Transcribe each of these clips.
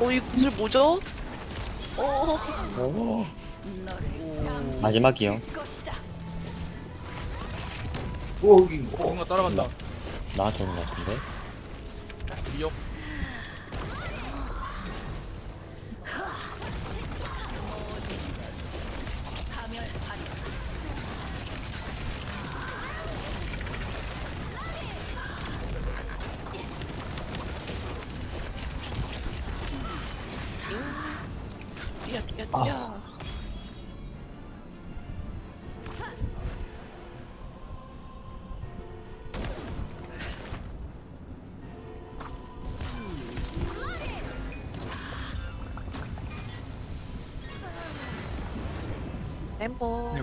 이 구슬 뭐죠? 오. 마지막이요. 뭔가 따라간다. 나한테 오는 것 같은데. 미역. 뛰어 뛰어 뛰어. 엠보.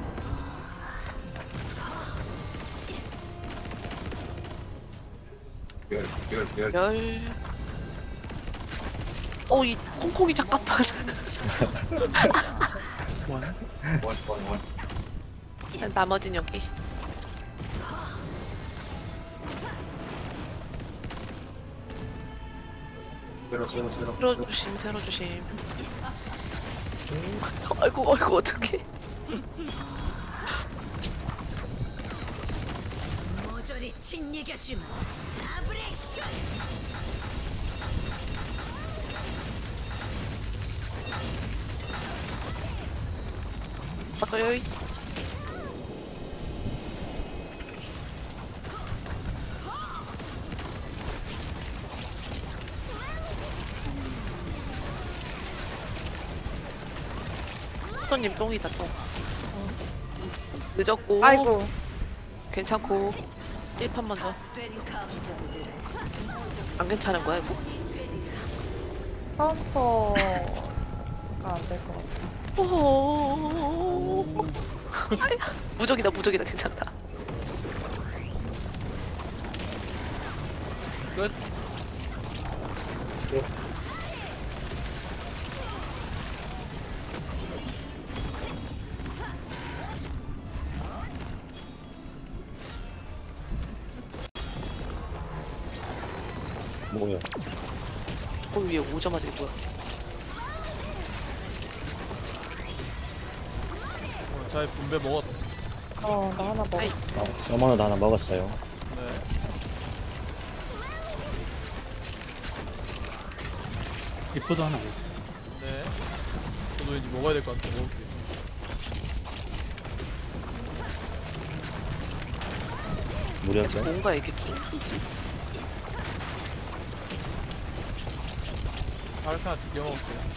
열. 이 콩콩이 잠깐만. 나머진 여기. 세로 조심, 세로 조심. 아이고, 어떡해. 모조리 짓이겨주마. 아브레이션. 여기. 손님 똥이다 똥. 늦었고. 아이고. 괜찮고. 1판 먼저. 안 괜찮은 거야 이거? 카운터가 안 될 것 같아. 오. 무적이다 괜찮다. 끝. 뭐요? 위에 오자마자 이거 뭐야? 잘 분배 먹었. 나 하나 먹었어. 나이스. 서머너도 하나 먹었어요. 네. 리포도 하나 먹어. 네. 저도 이제 먹어야 될 것 같아. 먹을게. 무력이요? 뭔가 이렇게 킹키지? 파르페 하나 2개 먹을게요.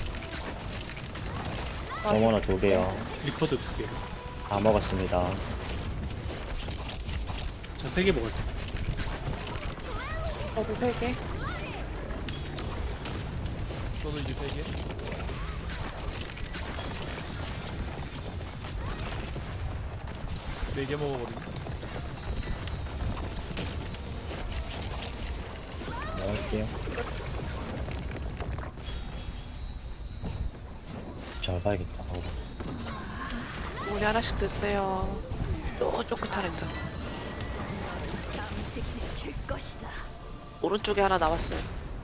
서머너 2개요. 리포도 2개. 다 먹었습니다. 저 3개 먹었어. 저도 3개. 저도 이제 3개. 네 개 먹어버리네. 먹을게요. 잘 봐야겠다. 우리 하나씩 드세요. 또 쪼끗하랬다. 줄 것이다. 오른쪽에 하나 나왔어요.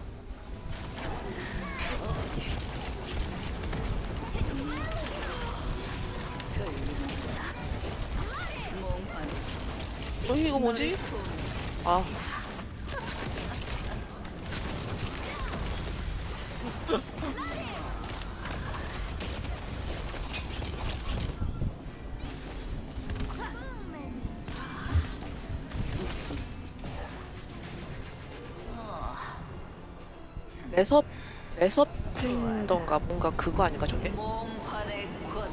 이거 뭐지? 아. 레서 팬던가 뭔가 그거 아닌가 저게? 몽환의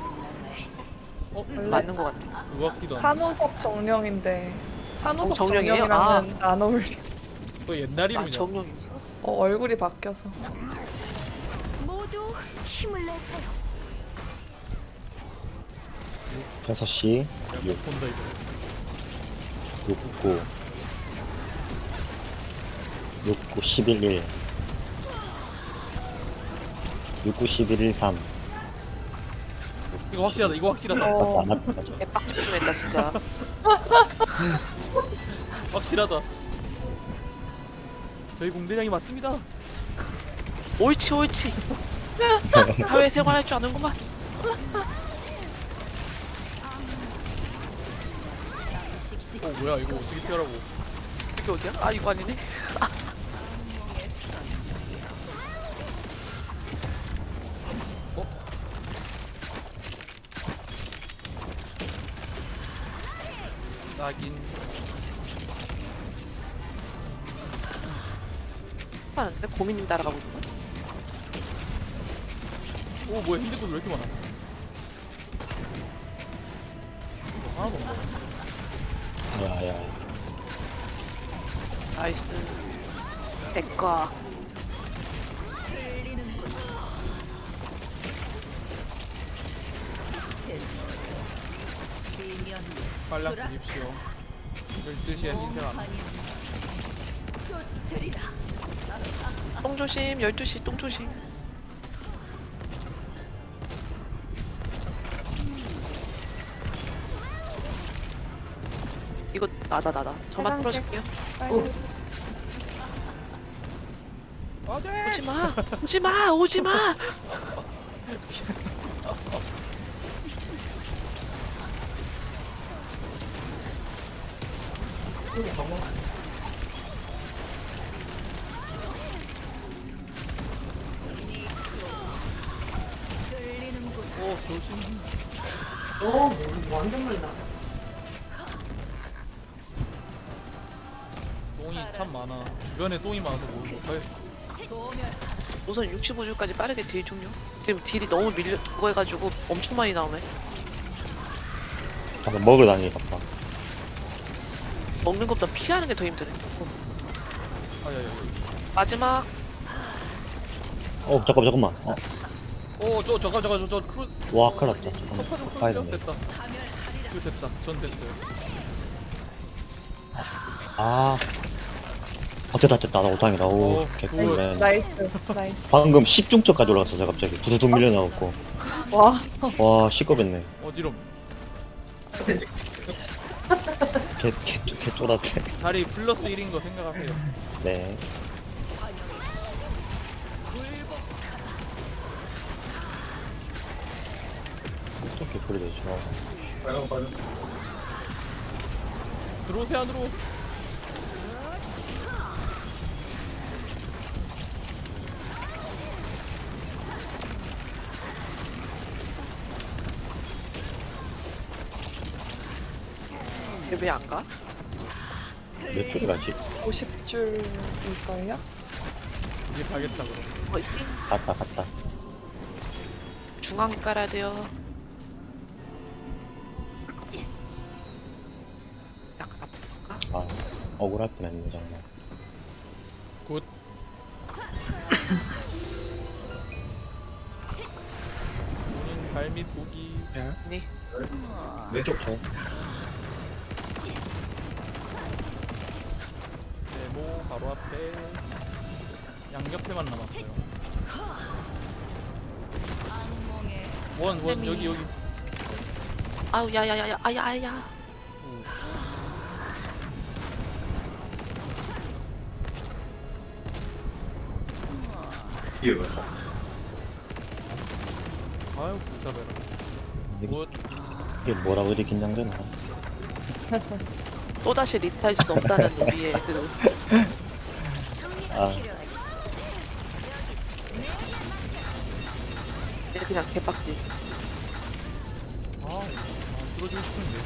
권능을. 맞는 것 같아. 그거 같기도 하고. 산호석 정령인데 산호석 정령이에요? 정령이랑은 안 어울려. 그거 옛날 아 이름이냐? 정령 있어? 얼굴이 바뀌어서. 모두 힘을 내세요. 6시, 못 본다 이거. 6, 9, 6, 9, 11, 1, 6, 9, 11, 1, 3. 이거 확실하다. 이거 확실하다. 어, 맞다, 맞다, 맞다. 개빡 집중했다 진짜. 확실하다. 저희 공대장이 맞습니다. 옳지 옳지. 사회생활 할 줄 아는구만. 뭐야 이거 어떻게 피하라고. 이게 어디야? 아 이거 아니네. 나긴. 하는데 고민님 따라가고 있는 거야? 오 뭐야 힘든 거왜 이렇게 많아. 이거 하나도 없네. 야야. 나이스. 내꺼. 빨랑 드십시오. 12시에 흰색 안. 쫓으리라. 똥 조심. 12시 똥 조심. 이거 나다. 저만 빨간색. 풀어줄게요. 빨리. 안돼. 오지마. 오지마. 오지마. 오 조심. 똥이 참 많아. 주변에 똥이 많아서 뭘 못해. 우선 65줄까지 빠르게 딜 좀요. 지금 딜이 너무 밀려 그거 해가지고 엄청 많이 나오네. 방금 먹으러 다니니까 봐. 먹는 것보다 피하는 게 더 힘드네. 아야야. 마지막. 잠깐만. 오저 크루. 와, 큰일 났다. 커퍼 좀 가야 크루죠? 되네. 됐다. 이거 됐다. 전 됐어요. 됐다. 나 오당이다. 오, 오, 개꿀이네. 나이스. 나이스. 방금 10중점까지 올라갔어, 제가 갑자기. 두두둑 밀려나갖고. 와. 와, 시끄럽네. 어지럼. 개 쫄았대. 자리 플러스 1인 거 생각하세요. 네. 또 개꿀이 되죠. 들어오세요 안으로. 왜 안 가? 몇 줄이 가지? 50줄일걸요? 이제 가겠다 그럼. 화이팅. 갔다. 중앙에 깔아야 돼요. 약간 아픈가? 억울할 뻔했네, 정말. 굿. 본인 발밑 보기. 네. 왼쪽 쳐. 네모 바로 앞에. 양옆에만 남았어요. 원 여기. 아우 야야야야 아야. 오. 아유 복잡해라. 굿. 이게 뭐라고 이렇게 긴장되나? 또 다시 리트할 수 없다는 우리의 그 아, 그냥 개빡지. 들어주고 싶은데.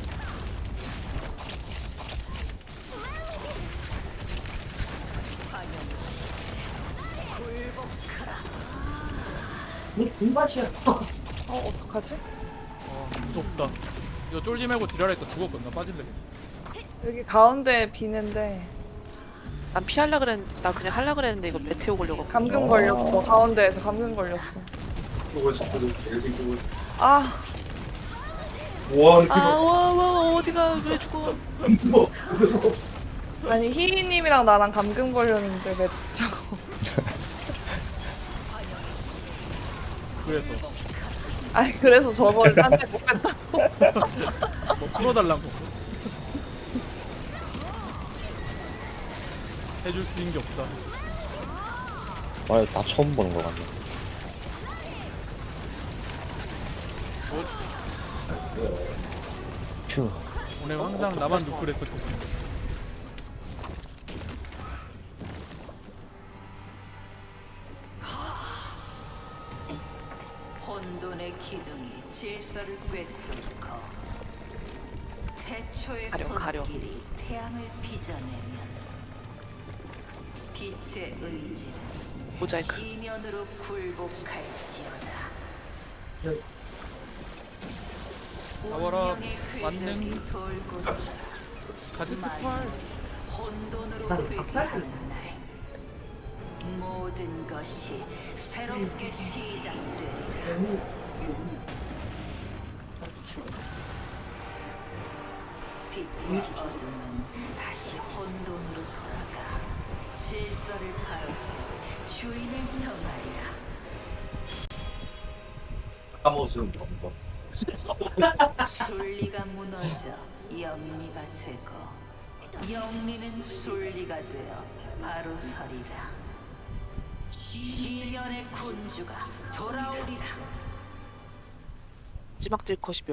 어떡하지? 무섭다. 이거 쫄지 말고 딜하라니까 죽었거든. 나 빠질래. 여기 가운데 비는데 난 피하려 그랬는데 나 그냥 하려 그랬는데 이거 메테오 걸려고. 감금 걸렸어. 가운데에서 감금 걸렸어. 아, 아와 어디가 왜 죽어? 아니 희희님이랑 나랑 감금 걸렸는데 왜 자꾸. 그래서 아니 그래서 저걸 딴데 못 뺐다. 뭐 풀어달라고. 해줄 수 있는 게 없다. 다 처음 보는 것 같네. 휴. 오늘 항상 나만 누클했었거든. 혼돈의 기둥이 질서를 꿰뚫고 태초의 가려. 손길이 태양을 빚어내면 빛의 의지는 모자이크. 이면으로 굴복할지어다. 나와라, 운명의 만능. 궤적이 돌고 쳐 가제트 팔. 만물이 혼돈으로 회귀하는 날 모든 것이 새롭게 시작되리라. 빛과 어둠은 다시 혼돈으로 돌아가 질서를 바로 세워 주인을 정하리라. 순리가 무너져 영리가 되고 영리는 순리가 되어 바로 서리라. 시련의 군주가 돌아오리라. 찌막들 컷이